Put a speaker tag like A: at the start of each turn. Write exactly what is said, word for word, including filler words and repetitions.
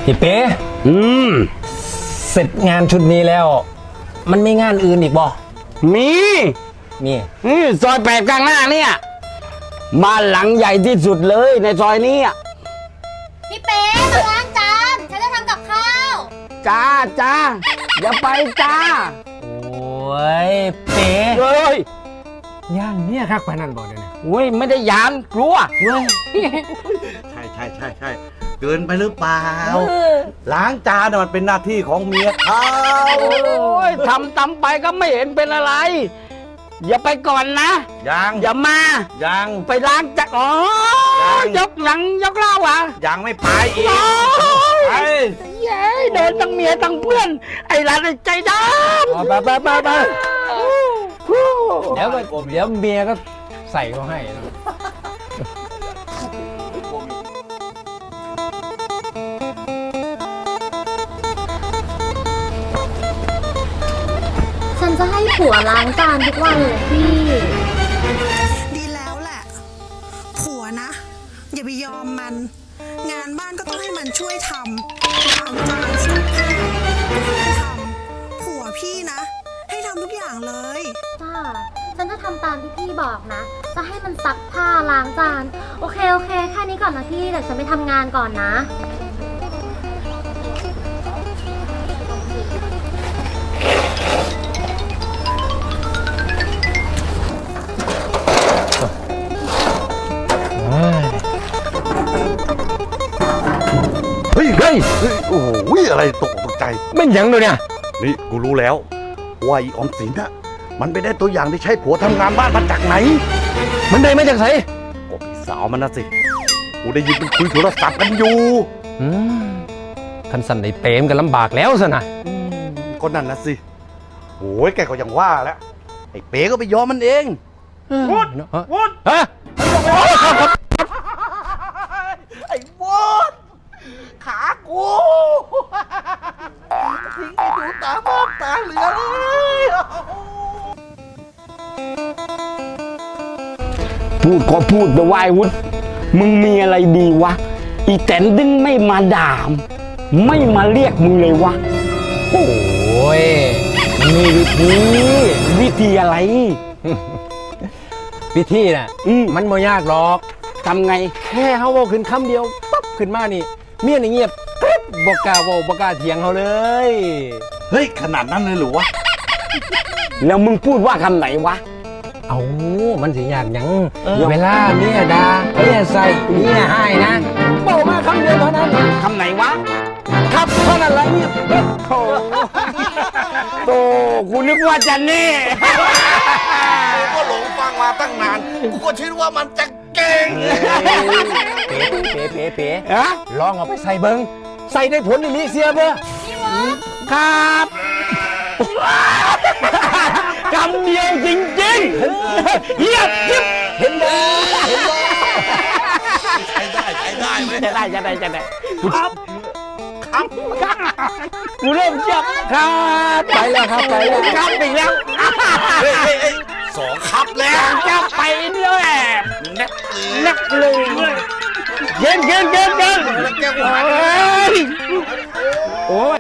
A: พี่เป๊ะ
B: อืม
A: เสร็จงานชุดนี้แล้ว มันไม่งานอื่นอีกบ่
B: มี
A: มี
B: นี่ซอยแปดกลางหน้าเนี่ยบ้านหลังใหญ่ที่สุดเลยในซอยนี้อ่ะ
C: พี่เป๊ะมาล้างจานฉันจะทำกับข้าว
B: จ้าจ้าอย่าไปจ้า
A: โอ้ยเป๊ะ
B: เฮ้ย
A: ย่านเนี่ยคักปานนั้นบ่เดี๋ยวนี้
B: เว้ยไม่ได้ยานกลัว
A: เว้ย
D: ใช่ใช่ใช่ใช่เกินไปหรือเปล่า ล้างจานน่ะมันเป็นหน้าที่ของเมียเขา
B: โอ้ยทำตำไปก็ไม่เห็นเป็นอะไร อย่าไปก่อนนะ
D: ยัง
B: อย่ามา
D: ยัง
B: ไปล้างจักรอ๋อ
D: ยัง
B: ยกหลังยกเล่าอ่ะ
D: ยังไม่ไปอีก
B: โอ้
D: ไป
B: ยเย้โดนทั้งเมียทั้งเพื่อน ไอ้ร้านไอ้ใจด
A: เอาไปไปไปไป
B: ำ
A: เดี๋ยวก็เดี๋ยวเมียก็ใส่เขาให้นะ
C: ฉันจะให้ผัวล้างจานทุกวันเลยพี่
E: ดีแล้วแหละ ผัวนะ อย่าไปยอมมัน งานบ้านก็ต้องให้มันช่วยทำล้างจานซักผ้าก็ให้มันทำผัวพี่นะ ให้ทำทุกอย่างเลย
C: จ้า ฉันจะทำตามที่พี่บอกนะ จะให้มันซักผ้าล้างจาน โอเคโอเคแค่นี้ก่อนนะพี่ เดี๋ยวฉันไปทำงานก่อนนะ
D: เฮ้ยเฮ้ยเฮ้ยโอ้โหอะไรตกตกใจ
A: ไม่หยังเลยเนี่ย
D: นี่กูรู้แล้วว่าอีออมสินอะมันไปได้ตัวอย่างที่ใช้ผัวทำงานบ้านมาจากไหน
A: มันได้มาจากไส
D: ก็พี่สาวมันนะสิกูได้ยินมันคุยโทรศัพท์กันอยู่
A: อืมคันสันได้เปรมกันลำบากแล้วซะนะ
D: ก็นั่นนะสิโอ้ยแกก็ยังว่าแล้วไอ้เป๋ก็ไปยอมมันเอง
A: วุดวุดฮะ
D: ไอ้วอนขากูทิ้งไอ้ดูตาบ้านตาเหลือเลย
B: พูดก็พูดไปวายวุฒมึงมีอะไรดีวะ อีแตนดึงไม่มาด่าม ไม่มาเรียกมึงเลยวะ
A: โอ้ยมีวิธี
B: วิธีอะไร
A: วิธีน่ะ
B: อืม
A: มันไม่ยากหรอก
B: ทำไง
A: แค่เขาเว้าขึ้นคำเดียวปั๊บขึ้นมานี่ เมียนี่เงียบกริ๊บบอกกล้าเว้าบอกกล้าเถียงเขาเลย
D: เฮ้ยขนาดนั้นเลยเหรือวะ
B: แล้วมึงพูดว่าคำไหนวะ
A: เอามันสิยากหยัง เวลาเมียด่าเมียใส่เมียให้นะบอกมาคำเดียวเท่านั้น
B: คำไหนวะ
A: ครับเท่านั้นแหละเงียบกริ๊บโธ่
B: โตกูนึกว่าจะแน่
D: กูก็หลงฟังมาตั้งนาน กูก็คิดว่ามันจะเก่ง
A: เป๋เป๋เป๋เป๋
B: ฮะ
A: ลองเอาไปใส่เบิงใส่ได้ผลอีหลีเสียเบ้อ
B: ครับคำเดียวจริงๆเยียบยิบ
A: เห็นบ่
D: ใช้ได้ใช้ได้ไหม
B: จะได้จะได้จะได้ครับครับกูเริ่มเชื่อครับ
A: ไปแล้วครับไปแล้ว
B: ครับอีกแล้ว
D: เฮ้ยเฮ้ยเฮ้ยสองครับแล้ว
B: จะไปด้วย
D: แนักเลย
B: นักเลยเย็นเย็นเย็นเย็น
D: แล้วแกกูหา
B: โอ้ยโอ้ย